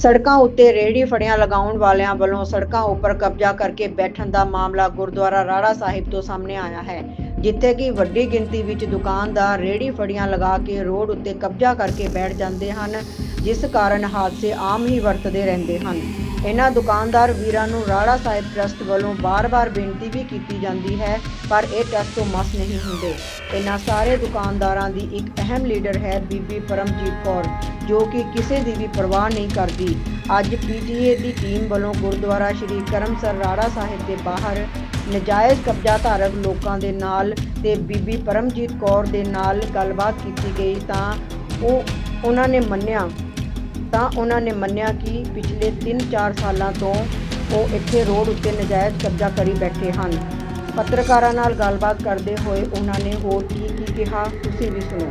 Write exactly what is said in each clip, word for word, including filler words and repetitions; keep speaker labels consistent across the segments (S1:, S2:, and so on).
S1: ਸੜਕਾਂ ਉੱਤੇ ਰੇਹੜੀ ਫੜੀਆਂ ਲਗਾਉਣ ਵਾਲਿਆਂ ਵੱਲੋਂ ਸੜਕਾਂ ਉੱਪਰ ਕਬਜ਼ਾ ਕਰਕੇ ਬੈਠਣ ਦਾ ਮਾਮਲਾ ਗੁਰਦੁਆਰਾ ਰਾੜਾ ਸਾਹਿਬ ਤੋਂ ਸਾਹਮਣੇ ਆਇਆ ਹੈ, ਜਿੱਥੇ ਕਿ ਵੱਡੀ ਗਿਣਤੀ ਵਿੱਚ ਦੁਕਾਨਦਾਰ ਰੇਹੜੀ ਫੜੀਆਂ ਲਗਾ ਕੇ ਰੋਡ ਉੱਤੇ ਕਬਜ਼ਾ ਕਰਕੇ ਬੈਠ ਜਾਂਦੇ ਹਨ, ਜਿਸ ਕਾਰਨ ਹਾਦਸੇ ਆਮ ਹੀ ਵਰਤਦੇ ਰਹਿੰਦੇ ਹਨ। ਇਹਨਾਂ ਦੁਕਾਨਦਾਰ ਵੀਰਾਂ ਨੂੰ ਰਾੜਾ ਸਾਹਿਬ ਟਰਸਟ ਵੱਲੋਂ ਬਾਰ-ਬਾਰ ਬੇਨਤੀ ਵੀ ਕੀਤੀ ਜਾਂਦੀ ਹੈ, ਪਰ ਇਹ ਟਰਸਟ ਤੋਂ ਮਸ ਨਹੀਂ ਹੁੰਦੇ। ਇਹਨਾਂ ਸਾਰੇ ਦੁਕਾਨਦਾਰਾਂ ਦੀ ਇੱਕ ਅਹਿਮ ਲੀਡਰ ਹੈ ਬੀਬੀ ਪਰਮਜੀਤ ਕੌਰ, ਜੋ ਕਿ ਕਿਸੇ ਦੀ ਵੀ ਪਰਵਾਹ ਨਹੀਂ ਕਰਦੀ। ਅੱਜ ਪੀਟੀਏ ਦੀ ਟੀਮ ਵੱਲੋਂ ਗੁਰਦੁਆਰਾ ਸ਼੍ਰੀ ਕਰਮਸਰ ਰਾੜਾ ਸਾਹਿਬ ਦੇ ਬਾਹਰ ਨਜਾਇਜ਼ ਕਬਜ਼ਾ ਧਾਰਕ ਲੋਕਾਂ ਦੇ ਨਾਲ ਤੇ ਬੀਬੀ ਪਰਮਜੀਤ ਕੌਰ ਦੇ ਨਾਲ ਗੱਲਬਾਤ ਕੀਤੀ ਗਈ ਤਾਂ ਉਹ ਉਹਨਾਂ ਨੇ ਮੰਨਿਆ ਤਾਂ ਉਹਨਾਂ ਨੇ ਮੰਨਿਆ ਕਿ ਪਿਛਲੇ ਤਿੰਨ ਚਾਰ ਸਾਲਾਂ ਤੋਂ ਉਹ ਇੱਥੇ ਰੋਡ ਉੱਤੇ ਨਜਾਇਜ਼ ਕਬਜ਼ਾ ਕਰੀ ਬੈਠੇ ਹਨ। ਪੱਤਰਕਾਰਾਂ ਨਾਲ ਗੱਲਬਾਤ ਕਰਦੇ ਹੋਏ ਉਹਨਾਂ ਨੇ ਹੋਰ ਕੀ ਕੀ ਕਿਹਾ, ਤੁਸੀਂ ਵੀ ਸੁਣੋ।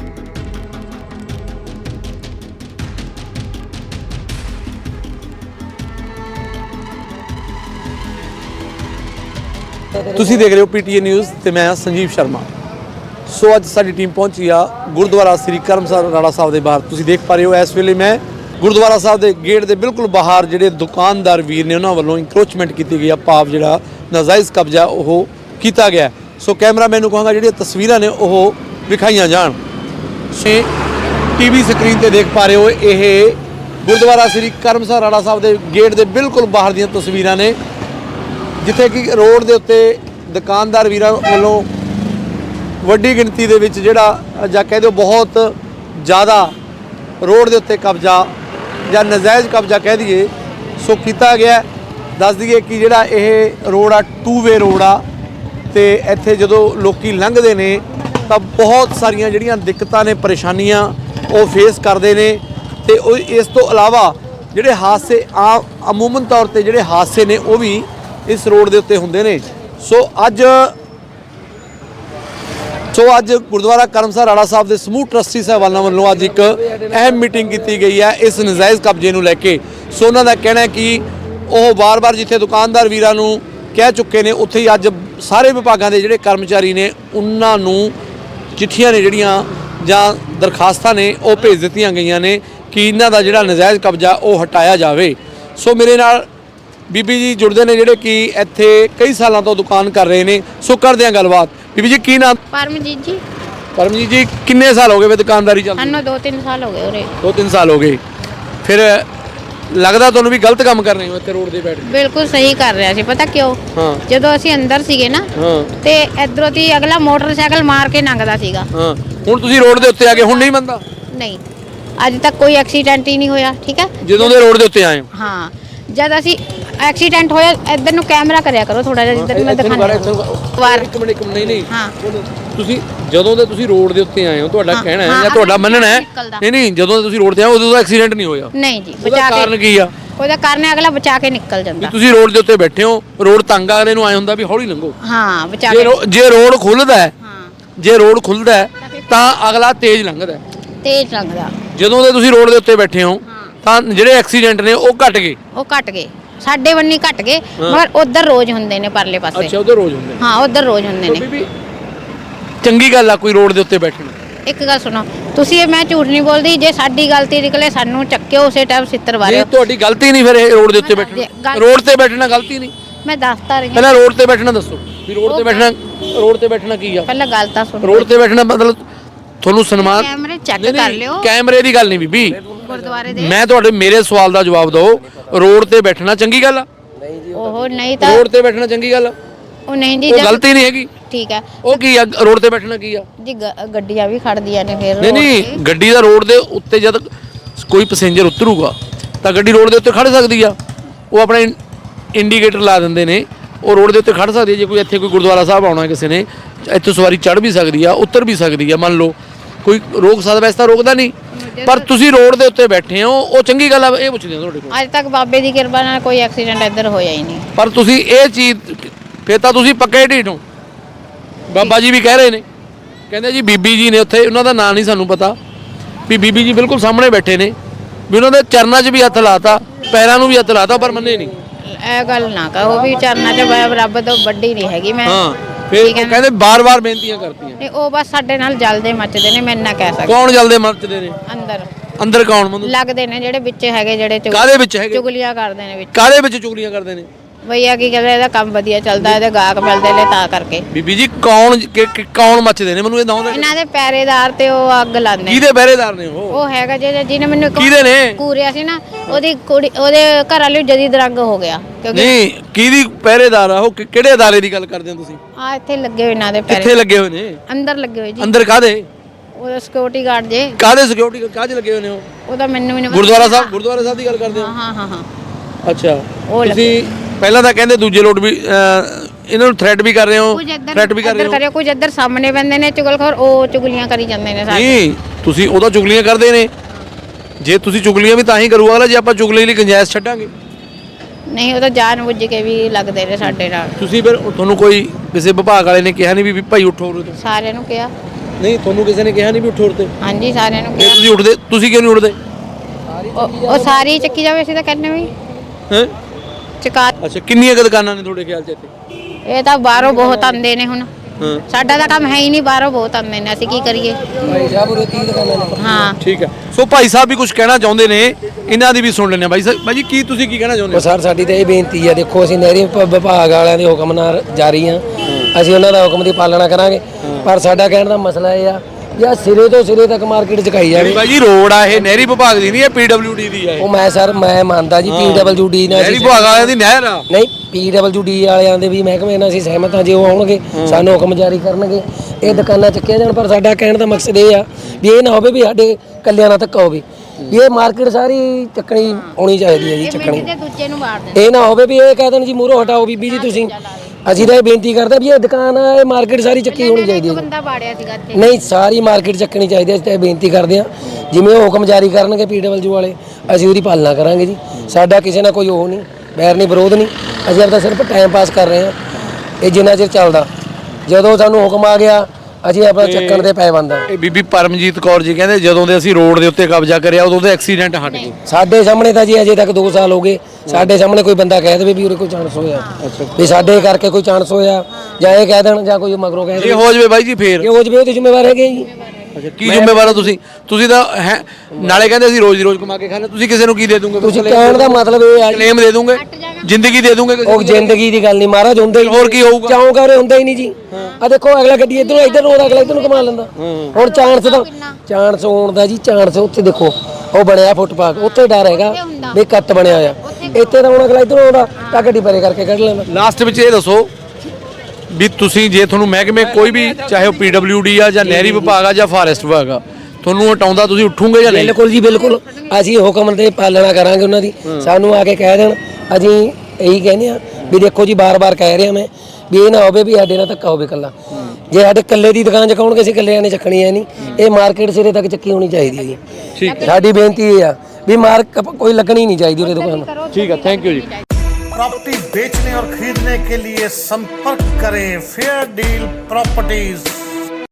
S2: ਤੁਸੀਂ ਦੇਖ ਰਹੇ ਹੋ ਪੀਟੀਏ ਨਿਊਜ਼ ਤੇ ਮੈਂ ਸੰਜੀਵ ਸ਼ਰਮਾ। ਸੋ ਅੱਜ ਸਾਡੀ ਟੀਮ ਪਹੁੰਚੀ ਆ ਗੁਰਦੁਆਰਾ ਸ੍ਰੀ ਕਰਮਸਰ ਰਾੜਾ ਸਾਹਿਬ ਦੇ ਬਾਹਰ। ਤੁਸੀਂ ਦੇਖ ਪਾ ਰਹੇ ਹੋ ਇਸ ਵੇਲੇ ਮੈਂ ਗੁਰਦੁਆਰਾ ਸਾਹਿਬ ਦੇ ਗੇਟ ਦੇ ਬਿਲਕੁਲ ਬਾਹਰ ਜਿਹੜੇ ਦੁਕਾਨਦਾਰ ਵੀਰ ਨੇ ਉਹਨਾਂ ਵੱਲੋਂ ਇੰਕਰੋਚਮੈਂਟ ਕੀਤੀ ਗਈ ਆ, ਭਾਵ ਜਿਹੜਾ ਨਾਜਾਇਜ਼ ਕਬਜ਼ਾ ਉਹ ਕੀਤਾ ਗਿਆ। ਸੋ ਕੈਮਰਾਮੈਨ ਨੂੰ ਕਹਾਂਗਾ ਜਿਹੜੀਆਂ ਤਸਵੀਰਾਂ ਨੇ ਉਹ ਵਿਖਾਈਆਂ ਜਾਣ। ਸੋ ਟੀਵੀ ਸਕਰੀਨ ਤੇ ਦੇਖ ਪਾ ਰਹੇ ਹੋ ਇਹ ਗੁਰਦੁਆਰਾ ਸ੍ਰੀ ਕਰਮਸਰ ਰਾੜਾ ਸਾਹਿਬ ਦੇ ਗੇਟ ਦੇ ਬਿਲਕੁਲ ਬਾਹਰ ਦੀਆਂ ਤਸਵੀਰਾਂ ਨੇ, ਜਿੱਥੇ ਕਿ ਰੋਡ ਦੇ ਉੱਤੇ ਦੁਕਾਨਦਾਰ ਵੀਰਾਂ ਵੱਲੋਂ ਵੱਡੀ ਗਿਣਤੀ ਦੇ ਵਿੱਚ ਜਿਹੜਾ ਜਾਂ ਕਹਿ ਦਿਓ ਬਹੁਤ ਜ਼ਿਆਦਾ ਰੋਡ ਦੇ ਉੱਤੇ ਕਬਜ਼ਾ ਜਾਂ ਨਜਾਇਜ਼ ਕਬਜ਼ਾ ਕਹਿ ਦਈਏ ਸੋ ਕੀਤਾ ਗਿਆ। ਦੱਸ ਦਈਏ ਕਿ ਜਿਹੜਾ ਇਹ ਰੋਡ ਆ ਟੂ ਵੇ ਰੋਡ ਆ ਤੇ ਇੱਥੇ ਜਦੋਂ ਲੋਕੀ ਲੰਘਦੇ ਨੇ ਤਾਂ ਬਹੁਤ ਸਾਰੀਆਂ ਜਿਹੜੀਆਂ ਦਿੱਕਤਾਂ ਨੇ, ਪਰੇਸ਼ਾਨੀਆਂ ਉਹ ਫੇਸ ਕਰਦੇ ਨੇ। ਤੇ ਉਹ ਇਸ ਤੋਂ ਇਲਾਵਾ ਜਿਹੜੇ ਹਾਦਸੇ ਆ ਅਮੂਮਨ ਤੌਰ ਤੇ ਜਿਹੜੇ ਹਾਦਸੇ ਨੇ ਉਹ ਵੀ ਇਸ ਰੋਡ ਦੇ ਉੱਤੇ ਹੁੰਦੇ ਨੇ। ਸੋ ਅੱਜ ਸੋ ਅੱਜ ਗੁਰਦੁਆਰਾ ਕਰਮਸਰ ਰਾੜਾ ਸਾਹਿਬ ਦੇ ਸਮੂਹ ਟਰਸਟੀ ਸਾਹਿਬਾਨਾਂ ਵੱਲੋਂ ਅੱਜ ਇੱਕ ਅਹਿਮ ਮੀਟਿੰਗ ਕੀਤੀ ਗਈ ਹੈ ਇਸ ਨਜਾਇਜ਼ ਕਬਜ਼ੇ ਨੂੰ ਲੈ ਕੇ। ਸੋ ਉਹਨਾਂ ਦਾ ਕਹਿਣਾ ਹੈ ਕਿ ਉਹ ਵਾਰ-ਵਾਰ ਜਿੱਥੇ ਦੁਕਾਨਦਾਰ ਵੀਰਾਂ ਨੂੰ ਕਹਿ ਚੁੱਕੇ ਨੇ, ਉੱਥੇ ਹੀ ਅੱਜ ਸਾਰੇ ਵਿਭਾਗਾਂ ਦੇ ਜਿਹੜੇ ਕਰਮਚਾਰੀ ਨੇ ਉਹਨਾਂ ਨੂੰ ਚਿੱਠੀਆਂ ਨੇ ਜਿਹੜੀਆਂ ਜਾਂ ਦਰਖਾਸਤਾਂ ਨੇ ਉਹ ਭੇਜ ਦਿੱਤੀਆਂ ਗਈਆਂ ਨੇ ਕਿ ਇਹਨਾਂ ਦਾ ਜਿਹੜਾ ਨਜਾਇਜ਼ ਕਬਜ਼ਾ ਉਹ ਹਟਾਇਆ ਜਾਵੇ। ਸੋ ਮੇਰੇ ਨਾਲ ਬੀਬੀ ਜੀ ਜੁੜਦੇ ਨੇ ਜਿਹੜੇ ਕਿ ਇੱਥੇ ਕਈ ਸਾਲਾਂ ਤੋਂ ਦੁਕਾਨ ਕਰ ਰਹੇ ਨੇ। ਸੋ ਕਰਦੇ ਹਾਂ ਗੱਲਬਾਤ। ਬੀਬੀ ਜੀ ਕੀ ਨਾਮ?
S3: ਪਰਮਜੀਤ ਜੀ।
S2: ਪਰਮਜੀਤ ਜੀ ਕਿੰਨੇ ਸਾਲ ਹੋ ਗਏ ਵੇ ਦੁਕਾਨਦਾਰੀ ਚੱਲਦੀ?
S3: ਸਾਨੂੰ ਦੋ ਤਿੰਨ ਸਾਲ ਹੋ ਗਏ ਉਰੇ।
S2: ਦੋ ਤਿੰਨ ਸਾਲ ਹੋ ਗਏ। ਫਿਰ ਲੱਗਦਾ ਤੁਹਾਨੂੰ ਵੀ ਗਲਤ ਕੰਮ ਕਰ ਰਹੇ ਹੋ ਇੱਥੇ ਰੋਡ ਤੇ ਬੈਠ ਕੇ?
S3: ਬਿਲਕੁਲ ਸਹੀ ਕਰ ਰਿਹਾ ਸੀ। ਪਤਾ ਕਿਉਂ?
S2: ਹਾਂ।
S3: ਜਦੋਂ ਅਸੀਂ ਅੰਦਰ ਸੀਗੇ ਨਾ
S2: ਹਾਂ
S3: ਤੇ ਇਧਰੋਂ ਦੀ ਅਗਲਾ ਮੋਟਰਸਾਈਕਲ ਮਾਰ ਕੇ ਲੰਘਦਾ ਸੀਗਾ।
S2: ਹਾਂ। ਹੁਣ ਤੁਸੀਂ ਰੋਡ ਦੇ ਉੱਤੇ ਆ ਗਏ, ਹੁਣ ਨਹੀਂ ਮੰਨਦਾ?
S3: ਨਹੀਂ, ਅੱਜ ਤੱਕ ਕੋਈ ਐਕਸੀਡੈਂਟ ਹੀ ਨਹੀਂ ਹੋਇਆ। ਠੀਕ ਹੈ,
S2: ਜਦੋਂ ਦੇ ਰੋਡ ਦੇ ਉੱਤੇ ਆਏ ਹੋ?
S3: ਹਾਂ। ਜਦ ਅਸੀਂ ਐਕਸੀਡੈਂਟ ਹੋਇਆ ਇੱਧਰ ਨੂੰ ਕੈਮਰਾ ਕਰਿਆ ਕਰੋ ਥੋੜਾ ਜਿਹਾ, ਜਿੱਧਰ ਮੈਂ ਦਿਖਾਣਾ ਵਾਰ
S2: ਇੱਕ ਮਿੰਟ ਇੱਕ ਮਿੰਟ ਨਹੀਂ ਨਹੀਂ
S3: ਹਾਂ।
S2: ਤੁਸੀਂ ਜਦੋਂ ਦੇ ਤੁਸੀਂ ਰੋਡ ਦੇ ਉੱਤੇ ਆਏ ਹੋ, ਤੁਹਾਡਾ
S3: ਹਾਂ,
S2: ਕਹਿਣਾ ਹੈ
S3: ਹਾਂ,
S2: ਜਾਂ ਤੁਹਾਡਾ ਮੰਨਣਾ ਹੈ?
S3: ਨਿਕਲਦਾ।
S2: ਨਹੀਂ ਨਹੀਂ, ਜਦੋਂ ਦੇ ਤੁਸੀਂ ਰੋਡ ਤੇ ਆਏ ਉਦੋਂ ਦਾ ਐਕਸੀਡੈਂਟ ਨਹੀਂ ਹੋਇਆ?
S3: ਨਹੀਂ ਜੀ,
S2: ਉਹਦਾ
S3: ਬਚਾ
S2: ਕਾਰਨ
S3: ਕੇ।
S2: ਕੀ ਆ?
S3: ਉਹਦਾ ਕਾਰਨ ਹੈ ਅਗਲਾ ਬਚਾ ਕੇ ਨਿਕਲ
S2: ਵੀ
S3: ਜਾਂਦਾ।
S2: ਤੁਸੀਂ ਰੋਡ ਦੇ ਉੱਤੇ ਬੈਠੇ ਹੋ, ਰੋਡ ਤੰਗ ਅਗਲੇ ਨੂੰ ਆਏ ਹੁੰਦਾ ਵੀ ਹੌਲੀ ਲੰਘੋ।
S3: ਹਾਂ, ਬਚਾ
S2: ਜੇ
S3: ਕੇ।
S2: ਰੋ- ਜੇ ਰੋਡ ਖੁੱਲਦਾ ਹੈ,
S3: ਹਾਂ,
S2: ਜੇ ਰੋਡ ਖੁੱਲਦਾ ਹੈ ਤਾਂ ਅਗਲਾ ਤੇਜ਼ ਲੰਘਦਾ ਹੈ।
S3: ਤੇਜ਼ ਲੰਘਦਾ।
S2: ਜਦੋਂ ਦੇ ਤੁਸੀਂ ਰੋਡ ਦੇ ਉੱਤੇ ਬੈਠੇ ਹੋ ਤਾਂ ਜਿਹੜੇ ਐਕਸੀਡੈਂਟ ਨੇ ਉਹ ਘਟ ਗਏ।
S3: ਉਹ ਘਟ ਗਏ, ਸਾਡੇ ਬੰਨੀ ਘਟ ਗਏ, ਮਗਰ ਉਧਰ ਰੋਜ਼ ਹੁੰਦੇ ਨੇ ਪਰਲੇ ਪਾਸੇ।
S2: ਅੱਛਾ, ਉਧਰ ਰੋਜ਼ ਹੁੰਦੇ ਨੇ?
S3: ਹਾਂ, ਉਧਰ ਰੋਜ਼ ਹੁੰਦੇ ਨੇ।
S2: ਬੀਬੀ ਚੰਗੀ ਗੱਲ ਆ ਕੋਈ ਰੋਡ ਦੇ ਉੱਤੇ ਬੈਠਣਾ?
S3: ਇੱਕ ਗੱਲ ਸੁਣੋ, ਤੁਸੀਂ ਇਹ ਮੈਂ ਝੂਠ ਨਹੀਂ ਬੋਲਦੀ, ਜੇ ਸਾਡੀ ਗਲਤੀ ਨਿਕਲੇ ਸਾਨੂੰ ਚੱਕਿਓ ਉਸੇ ਟਾਈਮ ਸਿੱਤਰ ਵਾਰਿਓ।
S2: ਨਹੀਂ, ਤੁਹਾਡੀ ਗਲਤੀ ਨਹੀਂ ਫਿਰ ਇਹ ਰੋਡ ਦੇ ਉੱਤੇ
S3: ਮੈਂ
S2: ਬੈਠਣਾ।
S3: ਗੱਲ-
S2: ਰੋਡ ਤੇ ਬੈਠਣਾ ਗਲਤੀ ਨਹੀਂ?
S3: ਮੈਂ ਦੱਸਤਾ ਰਹੀ ਹਾਂ।
S2: ਪਹਿਲਾਂ ਰੋਡ ਤੇ ਬੈਠਣਾ ਦੱਸੋ ਵੀ ਰੋਡ ਤੇ ਬੈਠਣਾ, ਰੋਡ ਤੇ ਬੈਠਣਾ ਕੀ ਆ?
S3: ਪਹਿਲਾਂ ਗੱਲ ਤਾਂ ਸੁਣੋ।
S2: ਰੋਡ ਤੇ ਬੈਠਣਾ ਮਤਲਬ ਤੁਹਾਨੂੰ ਸਨਮਾਨ?
S3: ਕੈਮਰੇ ਚੈੱਕ
S2: ਨਹੀਂ,
S3: ਕਰ
S2: ਨਹੀਂ,
S3: ਲਿਓ।
S2: ਕੈਮਰੇ ਦੀ ਗੱਲ ਨਹੀਂ ਬੀਬੀ,
S3: ਗੁਰਦੁਆਰੇ ਦੇ
S2: ਮੈਂ ਤੁਹਾਡੇ ਮੇਰੇ ਸਵਾਲ ਦਾ ਜਵਾਬ ਦਿਓ। ਰੋਡ ਤੇ ਬੈਠਣਾ ਚੰਗੀ ਗੱਲ ਆ?
S3: ਉਹ ਨਹੀਂ ਤਾਂ
S2: ਰੋਡ ਤੇ ਬੈਠਣਾ ਚੰਗੀ ਗੱਲ ਆ?
S3: ਉਹ ਨਹੀਂ ਜੀ,
S2: ਉਹ
S3: ਜਦ-
S2: ਗਲਤੀ ਨਹੀਂ ਹੈਗੀ।
S3: ਠੀਕ ਹੈ
S2: ਉਹ ਕੀ ਆ ਰੋਡ ਤੇ ਬੈਠਣਾ ਕੀ ਆ?
S3: ਜੀ, ਗ- ਗੱਡੀਆਂ ਵੀ ਖੜਦੀਆਂ ਨੇ ਫਿਰ
S2: ਨਹੀਂ
S3: road
S2: ਨਹੀਂ,
S3: ਤੇ।
S2: ਗੱਡੀ ਦਾ ਰੋਡ ਦੇ ਉੱਤੇ ਜਦ ਕੋਈ ਪੈਸੇਂਜਰ ਉਤਰੂਗਾ ਤਾਂ ਗੱਡੀ ਰੋਡ ਦੇ ਉੱਤੇ ਖੜ ਸਕਦੀ ਆ। ਉਹ ਆਪਣਾ ਇੰਡੀਕੇਟਰ ਲਾ ਦਿੰਦੇ ਨੇ, ਉਹ ਰੋਡ ਦੇ ਉੱਤੇ ਖੜ ਸਕਦੀ ਹੈ। ਜੇ ਕੋਈ ਇੱਥੇ ਕੋਈ ਗੁਰਦੁਆਰਾ ਸਾਹਿਬ ਆਉਣਾ ਕਿਸੇ ਨੇ, ਇੱਥੇ ਸਵਾਰੀ ਚੜ੍ਹ ਵੀ ਸਕਦੀ ਆ, ਉਤਰ ਵੀ ਸਕਦੀ ਆ, ਮੰਨ ਲਓ ਕੋਈ ਰੋਕ ਸਕਦਾ, ਵੈਸੇ ਤਾਂ ਰੋਕਦਾ ਨਹੀਂ। ਪਰ ਤੁਸੀਂ ਰੋਡ ਦੇ ਉੱਤੇ ਬੈਠੇ ਹੋ, ਉਹ ਚੰਗੀ ਗੱਲ ਆ? ਇਹ ਪੁੱਛਦੇ ਆ ਤੁਹਾਡੇ ਕੋਲ।
S3: ਅੱਜ ਤੱਕ ਬਾਬੇ ਦੀ ਕਿਰਪਾ ਨਾਲ ਕੋਈ ਐਕਸੀਡੈਂਟ ਇੱਧਰ ਹੋਇਆ ਹੀ ਨਹੀਂ।
S2: ਪਰ ਤੁਸੀਂ ਇਹ ਚੀਜ਼ ਫਿਰ ਤਾਂ ਤੁਸੀਂ ਪੱਕੇ ਢੀਠ ਹੋ। ਬਾਬਾ ਜੀ ਵੀ ਕਹਿ ਰਹੇ ਨੇ, ਕਹਿੰਦੇ ਜੀ ਬੀਬੀ ਜੀ ਨੇ ਉੱਥੇ, ਉਹਨਾਂ ਦਾ ਨਾਂ ਨਹੀਂ ਸਾਨੂੰ ਪਤਾ, ਵੀ ਬੀਬੀ ਜੀ ਬਿਲਕੁਲ ਸਾਹਮਣੇ ਬੈਠੇ ਨੇ, ਵੀ ਉਹਨਾਂ ਦੇ ਚਰਨਾਂ 'ਚ ਵੀ ਹੱਥ ਲਾਤਾ, ਪੈਰਾਂ ਨੂੰ ਵੀ ਹੱਥ ਲਾਤਾ, ਪਰ ਮੰਨੇ ਨਹੀਂ।
S3: ਇਹ ਗੱਲ ਨਾ ਕਹੋ ਵੀ ਚਰਨਾਂ 'ਚ ਰੱਬ ਤੋਂ ਵੱਡੀ ਨਹੀਂ ਹੈਗੀ ਮੈਂ।
S2: ਹਾਂ, ਫਿਰ ਉਹ ਕਹਿੰਦੇ ਬਾਰ-ਬਾਰ ਬੇਨਤੀਆਂ ਕਰਤੀਆਂ।
S3: ਨਹੀਂ, ਉਹ ਬਸ ਸਾਡੇ ਨਾਲ ਜਲਦੇ ਮੱਚਦੇ ਨੇ, ਮੈਂ ਇੰਨਾ ਕਹਿ ਸਕਦੀ।
S2: ਕੌਣ ਜਲਦੇ ਮੱਚਦੇ ਨੇ?
S3: ਅੰਦਰ
S2: ਅੰਦਰ ਕੌਣ ਮੈਨੂੰ
S3: ਲੱਗਦੇ ਨੇ ਜਿਹੜੇ ਵਿੱਚ ਹੈਗੇ ਜਿਹੜੇ ਚੁਗ-
S2: ਕਾਦੇ ਵਿੱਚ ਹੈਗੇ
S3: ਚੁਗਲੀਆਂ ਕਰਦੇ ਨੇ ਵਿੱਚ।
S2: ਕਾਦੇ ਵਿੱਚ ਚੁਗਲੀਆਂ ਕਰਦੇ ਨੇ?
S3: ਭਈਆ ਕੀ ਕਹਿੰਦੇ ਇਹਦਾ ਕੰਮ ਵਧੀਆ ਚੱਲਦਾ, ਇਹਦੇ ਗਾਹਕ ਮਿਲਦੇ ਨੇ ਤਾਂ ਕਰਕੇ।
S2: ਬੀਬੀ ਜੀ ਕੌਣ ਕਿ- ਕਿ- ਕੌਣ ਮੱਚਦੇ ਨੇ ਮੈਨੂੰ ਇਹ ਦੱਸੋ।
S3: ਇਹਨਾਂ ਦੇ ਪਹਿਰੇਦਾਰ ਤੇ ਉਹ ਅੱਗ ਲਾਉਂਦੇ ਨੇ।
S2: ਕਿਹਦੇ ਪਹਿਰੇਦਾਰ ਨੇ ਉਹ?
S3: ਉਹ ਹੈਗਾ ਜਿਹੜੇ ਜਿਹਨੇ ਮੈਨੂੰ ਇੱਕ
S2: ਕਿਹਦੇ ਨੇ?
S3: ਕੂਰਿਆ ਸੀ ਨਾ, ਉਹਦੀ ਕੁੜੀ ਉਹਦੇ ਘਰ ਵਾਲੀ ਨੂੰ ਜਦੀ ਦਰੰਗ ਹੋ ਗਿਆ ਕਿਉਂਕਿ
S2: ਨਹੀਂ ਕਿਹਦੀ ਪਹਿਰੇਦਾਰ ਆ ਉਹ? ਕਿ- ਕਿਹੜੇ ਅਦਾਰੇ ਦੀ ਗੱਲ ਕਰਦੇ ਹੋ ਤੁਸੀਂ?
S3: ਆ ਇੱਥੇ ਲੱਗੇ ਹੋਏ ਇਹਨਾਂ ਦੇ
S2: ਕਿੱਥੇ
S3: ਪਹਿਰੇ,
S2: ਲੱਗੇ ਹੋਏ ਨੇ?
S3: ਅੰਦਰ ਲੱਗੇ ਹੋਏ ਜੀ।
S2: ਅੰਦਰ ਕਾਦੇ?
S3: ਉਹ ਸਿਕਿਉਰਿਟੀ ਗਾਰਡ ਜੇ।
S2: ਕਾਦੇ ਸਿਕਿਉਰਿਟੀ ਕਾਜ ਲੱਗੇ ਹੋਏ ਨੇ ਉਹ?
S3: ਉਹਦਾ ਮੈਨੂੰ ਵੀ ਨਹੀਂ ਪਤਾ।
S2: ਗੁਰਦੁਆਰਾ ਸਾਹਿਬ ਗੁਰਦੁਆਰਾ ਸਾਹਿਬ ਦੀ ਗੱਲ ਕਰਦੇ ਹੋ?
S3: ਹਾਂ ਹਾਂ ਹਾਂ
S2: ਅੱਛਾ
S3: ਉਹ
S2: ਤੁਸੀਂ ਪਹਿਲਾਂ ਤਾਂ ਕਹਿੰਦੇ ਦੂਜੇ ਲੋਟ ਵੀ ਅਹ, ਇਹਨਾਂ ਨੂੰ ਥ੍ਰੈਟ ਵੀ ਕਰ ਰਹੇ ਹੋ,
S3: ਕੁਝ ਇੱਧਰ
S2: ਥ੍ਰੈਟ ਵੀ ਕਰ ਰਹੇ
S3: ਇੱਧਰ
S2: ਹੋ?
S3: ਕਰਿਓ, ਕੁਝ ਇੱਧਰ ਸਾਹਮਣੇ ਬੰਦੇ ਨੇ ਚੁਗਲਖੋਰ, ਉਹ ਚੁਗਲੀਆਂ ਕਰੀ ਜਾਂਦੇ ਨੇ ਸਾਡੇ।
S2: ਨਹੀਂ ਤੁਸੀਂ ਉਹਦਾ ਚੁਗਲੀਆਂ ਕਰਦੇ ਨੇ। ਜੇ ਤੁਸੀਂ ਚੁਗਲੀਆਂ ਵੀ ਤਾਂ ਹੀ ਕਰੂਗਾ ਅਗਲਾ ਜੇ ਆਪਾਂ ਚੁਗਲੀ ਲਈ ਗੁੰਜਾਇਸ਼ ਛੱਡਾਂਗੇ।
S3: ਨਹੀਂ ਉਹ ਤਾਂ ਜਾਣ ਬੁੱਝ ਕੇ ਵੀ ਲੱਗਦੇ ਨੇ ਸਾਡੇ ਨਾਲ।
S2: ਤੁਸੀਂ ਫਿਰ ਤੁਹਾਨੂੰ ਕੋਈ ਕਿਸੇ ਵਿਭਾਗ ਵਾਲੇ ਨੇ ਕਿਹਾ ਨਹੀਂ ਵੀ ਵੀ ਭਾਈ ਉੱਠੋ ਉਰੇ ਤੋਂ?
S3: ਸਾਰਿਆਂ ਨੂੰ ਕਿਹਾ।
S2: ਨਹੀਂ ਤੁਹਾਨੂੰ ਕਿਸੇ ਨੇ ਕਿਹਾ ਨਹੀਂ ਵੀ ਉੱਠੋ ਉਰੇ ਤੇ?
S3: ਹਾਂਜੀ ਸਾਰਿਆਂ ਨੂੰ
S2: ਜੇ
S3: ਕਿਹਾ।
S2: ਤੁਸੀਂ ਉੱਠਦੇ ਤੁਸੀਂ ਕਿਉਂ ਨਹੀਂ ਉੱਠਦੇ?
S3: ਉਹ ਉਹ ਸਾਰੀ ਚੱਕੀ ਜਾਵੇ, ਅਸੀਂ ਤਾਂ ਕਹਿੰਦੇ ਵੀ
S2: ਹੈ
S3: ਚਕਾ।
S2: ਅੱਛਾ ਕਿੰਨੀਆਂ ਕੁ ਦੁਕਾਨਾਂ ਨੇ ਤੁਹਾਡੇ ਖਿਆਲ 'ਚ ਇੱਥੇ?
S3: ਇਹ ਤਾਂ ਬਾਹਰੋਂ ਬਹੁਤ ਆਉਂਦੇ ਨੇ ਹੁਣ।
S2: ਹਾਂ
S3: ਸਾਡਾ ਤਾਂ ਕੰਮ ਹੈ ਹੀ ਨਹੀਂ, ਬਾਹਰੋਂ ਬਹੁਤ ਆਉਂਦੇ ਨੇ, ਅਸੀਂ ਕੀ ਕਰੀਏ? ਹਾਂ
S2: ਠੀਕ ਹੈ। ਸੋ ਭਾਈ ਸਾਹਿਬ ਵੀ ਕੁਝ ਕਹਿਣਾ ਚਾਹੁੰਦੇ ਨੇ, ਇਹਨਾਂ ਦੀ ਵੀ ਸੁਣ ਲੈਂਦੇ ਆ। ਭਾਈ ਸਾਹਿਬ ਭਾਈ ਜੀ ਕੀ ਤੁਸੀਂ ਕੀ ਕਹਿਣਾ ਚਾਹੁੰਦੇ
S4: ਉਹ
S2: ਹੋ?
S4: ਸਰ ਸਾਡੀ ਤਾਂ ਇਹ ਬੇਨਤੀ ਹੈ, ਦੇਖੋ ਅਸੀਂ ਨਹਿਰੀ ਵਿਭ- ਵਿਭਾਗ ਵਾਲਿਆਂ ਦੇ ਹੁਕਮ ਨਾਲ ਜਾਰੀ ਹਾਂ, ਅਸੀਂ ਉਹਨਾਂ ਦਾ ਹੁਕਮ ਦੀ ਪਾਲਣਾ ਕਰਾਂਗੇ। ਪਰ ਸਾਡਾ ਕਹਿਣ ਦਾ ਮਸਲਾ ਇਹ ਆ ਜਾਂ ਸਿਰੇ ਤੋਂ ਸਿਰੇ ਤੱਕ ਮਾਰਕੀਟ ਚਕਾਈ ਜਾਵੇ।
S2: ਭਾਈ ਜੀ ਰੋਡ ਆ ਇਹ ਨਹਿਰੀ ਵਿਭਾਗ ਦੀ ਨਹੀਂ, ਇਹ ਪੀਡਬਲਿਊਡੀ ਦੀ ਹੈ।
S4: ਉਹ ਮੈਂ ਸਰ ਮੈਂ ਮੰਨਦਾ ਜੀ ਪੀਡਬਲਯੂਡੀ ਨਾਲ
S2: ਨਹਿਰੀ
S4: ਅਸੀਂ
S2: ਵਿਭਾਗ ਵਾਲਿਆਂ ਦੀ ਨਹਿਰ ਆ।
S4: ਨਹੀਂ ਪੀਡਬਲਯੂਡੀ ਵਾਲਿਆਂ ਦੇ ਵੀ ਮਹਿਕਮੇ ਨਾਲ ਅਸੀਂ ਸਹਿਮਤ ਹਾਂ। ਜੇ ਉਹ ਆਉਣਗੇ ਸਾਨੂੰ ਹੁਕਮ ਜਾਰੀ ਕਰਨਗੇ, ਇਹ ਦੁਕਾਨਾਂ ਚੱਕੀਆਂ ਜਾਣ। ਪਰ ਸਾਡਾ ਕਹਿਣ ਦਾ ਮਕਸਦ ਇਹ ਆ ਵੀ ਇਹ ਨਾ ਹੋਵੇ ਵੀ ਸਾਡੇ ਕੱਲਿਆਂ ਨਾਲ ਧੱਕਾ ਹੋਵੇ, ਵੀ ਇਹ ਮਾਰਕੀਟ ਸਾਰੀ ਚੱਕਣੀ ਆਉਣੀ ਚਾਹੀਦੀ ਹੈ ਜੀ, ਚੱਕਣੀ।
S3: ਤੇ ਦੂਜੇ ਨੂੰ ਮਾਰ ਦਿੰਦੇ।
S4: ਇਹ ਨਾ ਹੋਵੇ ਵੀ ਇਹ ਕਹਿ ਦੇਣ ਜੀ ਮੂਹਰੋਂ ਹਟਾਓ ਬੀਬੀ ਜੀ ਤੁਸੀਂ। ਅਸੀਂ ਤਾਂ ਇਹ ਬੇਨਤੀ ਕਰਦੇ ਵੀ ਇਹ ਦੁਕਾਨ ਆ, ਇਹ ਮਾਰਕੀਟ ਸਾਰੀ ਚੱਕੀ ਹੋਣੀ ਚਾਹੀਦੀ ਹੈ ਜੀ।
S3: ਬੰਦਾ ਬਾੜਿਆ ਸੀਗਾ ਇੱਥੇ।
S4: ਨਹੀਂ ਸਾਰੀ ਮਾਰਕੀਟ ਚੱਕਣੀ ਚਾਹੀਦੀ ਹੈ। ਅਸੀਂ ਤਾਂ ਇਹ ਬੇਨਤੀ ਕਰਦੇ ਹਾਂ ਜਿਵੇਂ ਉਹ ਹੁਕਮ ਜਾਰੀ ਕਰਨਗੇ ਪੀਡਬਲਯੂ ਵਾਲੇ, ਅਸੀਂ ਉਹਦੀ ਪਾਲਣਾ ਕਰਾਂਗੇ ਜੀ। ਸਾਡਾ ਕਿਸੇ ਨਾਲ ਕੋਈ ਉਹ ਨਹੀਂ, ਬੈਰ ਨਹੀਂ, ਵਿਰੋਧ ਨਹੀਂ। ਅਸੀਂ ਆਪਦਾ ਸਿਰਫ ਟਾਈਮ ਪਾਸ ਕਰ ਰਹੇ ਹਾਂ, ਇਹ ਜਿੰਨਾ ਚਿਰ ਚੱਲਦਾ। ਜਦੋਂ ਸਾਨੂੰ ਹੁਕਮ ਆ ਗਿਆ ਅਸੀਂ ਆਪਣਾ ਚੱਕਣ ਦੇ ਪੈ ਬੰਦਾ।
S2: ਇਹ ਬੀਬੀ ਪਰਮਜੀਤ ਕੌਰ ਜੀ ਕਹਿੰਦੇ ਜਦੋਂ ਦੇ ਅਸੀਂ ਰੋਡ ਦੇ ਉੱਤੇ ਕਬਜ਼ਾ ਕਰਿਆ ਉਦੋਂ ਦੇ ਐਕਸੀਡੈਂਟ ਹਟ ਗਏ।
S4: ਸਾਡੇ ਸਾਹਮਣੇ ਤਾਂ ਜੀ ਅਜੇ ਤੱਕ ਦੋ ਸਾਲ ਹੋ ਗਏ, ਸਾਡੇ ਸਾਹਮਣੇ ਕੋਈ ਬੰਦਾ ਕਹਿ ਦੇਵੇ ਵੀ ਉਰੇ ਕੋਈ ਚਾਂਸ ਹੋਇਆ, ਵੀ ਸਾਡੇ ਕਰਕੇ ਕੋਈ ਚਾਂਸ ਹੋਇਆ, ਜਾਂ ਇਹ ਕਹਿ ਦੇਣ ਜਾਂ ਕੋਈ ਮਗਰੋਂ ਕਹਿ
S2: ਜੇ
S4: ਦੇਵੇ
S2: ਹੋ ਜਵੇ ਬਾਈ ਜੀ ਫੇਰ
S4: ਕਿ ਉਹ ਜਵੇ ਉਹਦੇ ਜ਼ਿੰਮੇਵਾਰ ਹੈਗੇ ਜੀ।
S2: ਅੱਛਾ ਕੀ ਜ਼ਿੰਮੇਵਾਰ ਹੋ ਤੁਸੀਂ? ਤੁਸੀਂ ਤਾਂ ਹੈ ਨਾਲੇ ਕਹਿੰਦੇ ਅਸੀਂ ਰੋਜ਼ ਦੀ ਰੋਜ਼ ਕਮਾ ਕੇ ਖਾਣੇ, ਤੁਸੀਂ ਕਿਸੇ ਨੂੰ ਕੀ ਦੇ ਦੂੰਗੇ?
S4: ਤੁਸੀਂ ਕਹਿਣ ਦਾ ਮਤਲਬ ਇਹ ਆ
S2: ਕਲੇਮ ਦੇ ਦੂੰਗੇ, ਜ਼ਿੰਦਗੀ ਦੇ ਦੂੰਗੇ ਕਿਸੇ
S4: ਉਹ
S2: ਨੂੰ?
S4: ਜ਼ਿੰਦਗੀ ਦੀ ਗੱਲ ਨਹੀਂ ਮਹਾਰਾਜ, ਹੁੰਦਾ ਹੀ
S2: ਹੋਰ ਕੀ ਹੋਊਗਾ?
S4: ਚਾਹੋਗਾ ਉਰੇ ਹੁੰਦਾ ਹੀ ਨਹੀਂ ਜੀ। ਆ ਦੇਖੋ ਅਗਲਾ ਗੱਡੀ ਇਧਰੋਂ ਇਧਰ ਨੂੰ, ਅਗਲਾ ਇਧਰ ਨੂੰ ਕਮਾ ਲੈਂਦਾ। ਹੁਣ ਚਾਂਸ ਤਾਂ ਚਾਂਸ ਹੋਣ ਦਾ ਜੀ, ਚਾਂਸ ਉੱਥੇ ਦੇਖੋ ਉਹ ਬਣਿਆ ਫੁੱਟਪਾਥ, ਉੱਥੇ ਡਰ ਹੈਗਾ ਵੀ ਕੱਟ ਬਣਿਆ ਹੋਇਆ। ਇੱਥੇ ਤਾਂ ਹੁਣ ਅਗਲਾ ਇਧਰੋਂ ਆਉਂਦਾ ਤਾਂ ਗੱਡੀ ਪਰੇ ਕਰਕੇ ਕੱਢ ਲੈਂਦਾ।
S2: ਲਾਸਟ ਵਿੱਚ ਇਹ ਦੱਸੋ ਵੀ ਤੁਸੀਂ ਜੇ ਤੁਹਾਨੂੰ ਮਹਿਕਮੇ ਕੋਈ ਵੀ ਚਾਹੇ ਉਹ ਪੀਡਬਲਿਊਡੀ ਆ ਜਾਂ ਨਹਿਰੀ ਵਿਭਾਗ ਆ ਜਾਂ ਫਾਰੈਸਟ ਵਿਭਾਗ ਆ ਤੁਹਾਨੂੰ ਹਟਾਉਂਦਾ, ਤੁਸੀਂ ਉੱਠੋਗੇ ਜਾਂ ਨਹੀਂ?
S4: ਬਿਲਕੁਲ ਜੀ ਬਿਲਕੁਲ, ਅਸੀਂ ਹੁਕਮ ਦੇ ਪਾਲਣਾ ਕਰਾਂਗੇ ਉਹਨਾਂ ਦੀ। ਸਾਨੂੰ ਆ ਕੇ ਕਹਿ ਦੇਣ, ਅਸੀਂ ਇਹੀ ਕਹਿੰਦੇ ਆ ਵੀ ਦੇਖੋ ਜੀ ਬਾਰ-ਬਾਰ ਕਹਿ ਰਿਹਾ ਮੈਂ ਵੀ ਇਹ ਨਾ ਹੋਵੇ ਵੀ ਸਾਡੇ ਨਾਲ ਧੱਕਾ ਹੋਵੇ ਕੱਲਾ। ਜੇ ਸਾਡੇ ਕੱਲੇ ਦੀ ਦੁਕਾਨ ਚਕਾਉਣਗੇ ਅਸੀਂ ਕੱਲਿਆਂ ਨੇ ਚੱਕਣੀ ਹੈ ਨਹੀਂ, ਇਹ ਮਾਰਕੀਟ ਸਿਰੇ ਤੱਕ ਚੱਕੀ ਹੋਣੀ ਚਾਹੀਦੀ ਹੈ ਜੀ।
S2: ਠੀਕ
S4: ਸਾਡੀ ਬੇਨਤੀ ਇਹ ਆ ਵੀ ਮਾਰਕ ਕੋਈ ਲੱਗਣੀ ਨਹੀਂ ਚਾਹੀਦੀ ਉਹਦੇ ਦੁਕਾਨ।
S2: ਠੀਕ ਹੈ, ਥੈਂਕ ਯੂ ਜੀ।
S5: प्रॉपर्टी बेचने और खरीदने के लिए संपर्क करें फेयर डील प्रॉपर्टीज।